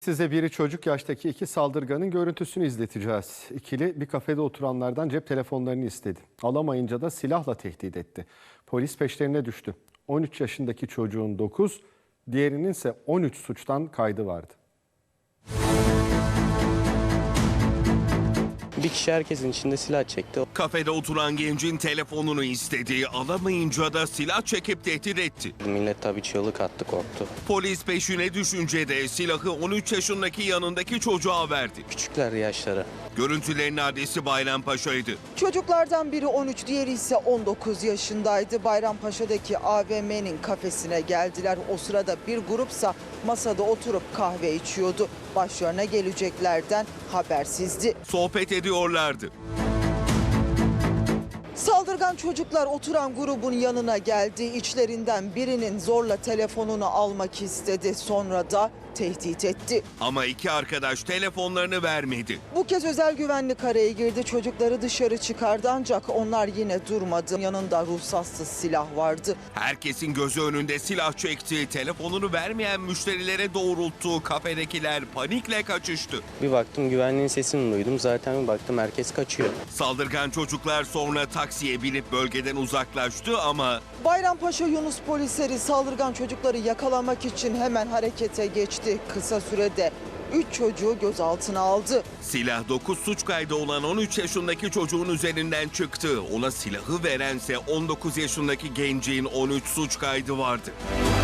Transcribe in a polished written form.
Size biri çocuk yaştaki iki saldırganın görüntüsünü izleteceğiz. İkili bir kafede oturanlardan cep telefonlarını istedi. Alamayınca da silahla tehdit etti. Polis peşlerine düştü. 13 yaşındaki çocuğun 9, diğerinin ise 13 suçtan kaydı vardı. Bir kişi herkesin içinde silah çekti. Kafede oturan gencin telefonunu istedi, alamayınca da silah çekip tehdit etti. Millet tabii çığlık attı, korktu. Polis peşine düşünce de silahı 13 yaşındaki yanındaki çocuğa verdi. Küçükler yaşları. Görüntülerin adresi Bayrampaşa'ydı. Çocuklardan biri 13, diğeri ise 19 yaşındaydı. Bayrampaşa'daki AVM'nin kafesine geldiler. O sırada bir grupsa masada oturup kahve içiyordu. Başlarına geleceklerden habersizdi. Sohbet ediyorlardı. Saldırgan çocuklar oturan grubun yanına geldi. İçlerinden birinin zorla telefonunu almak istedi. Sonra da tehdit etti. Ama iki arkadaş telefonlarını vermedi. Bu kez özel güvenlik araya girdi. Çocukları dışarı çıkardı ancak onlar yine durmadı. Yanında ruhsatsız silah vardı. Herkesin gözü önünde silah çekti. Telefonunu vermeyen müşterilere doğrulttu. Kafedekiler panikle kaçıştı. Bir baktım güvenliğin sesini duydum. Zaten bir baktım herkes kaçıyor. Saldırgan çocuklar sonra taksiye binip bölgeden uzaklaştı ama Bayrampaşa Yunus polisleri saldırgan çocukları yakalamak için hemen harekete geçti. Kısa sürede 3 çocuğu gözaltına aldı. silah 9 suç kaydı olan 13 yaşındaki çocuğun üzerinden çıktı. Ona silahı verense 19 yaşındaki gencin 13 suç kaydı vardı.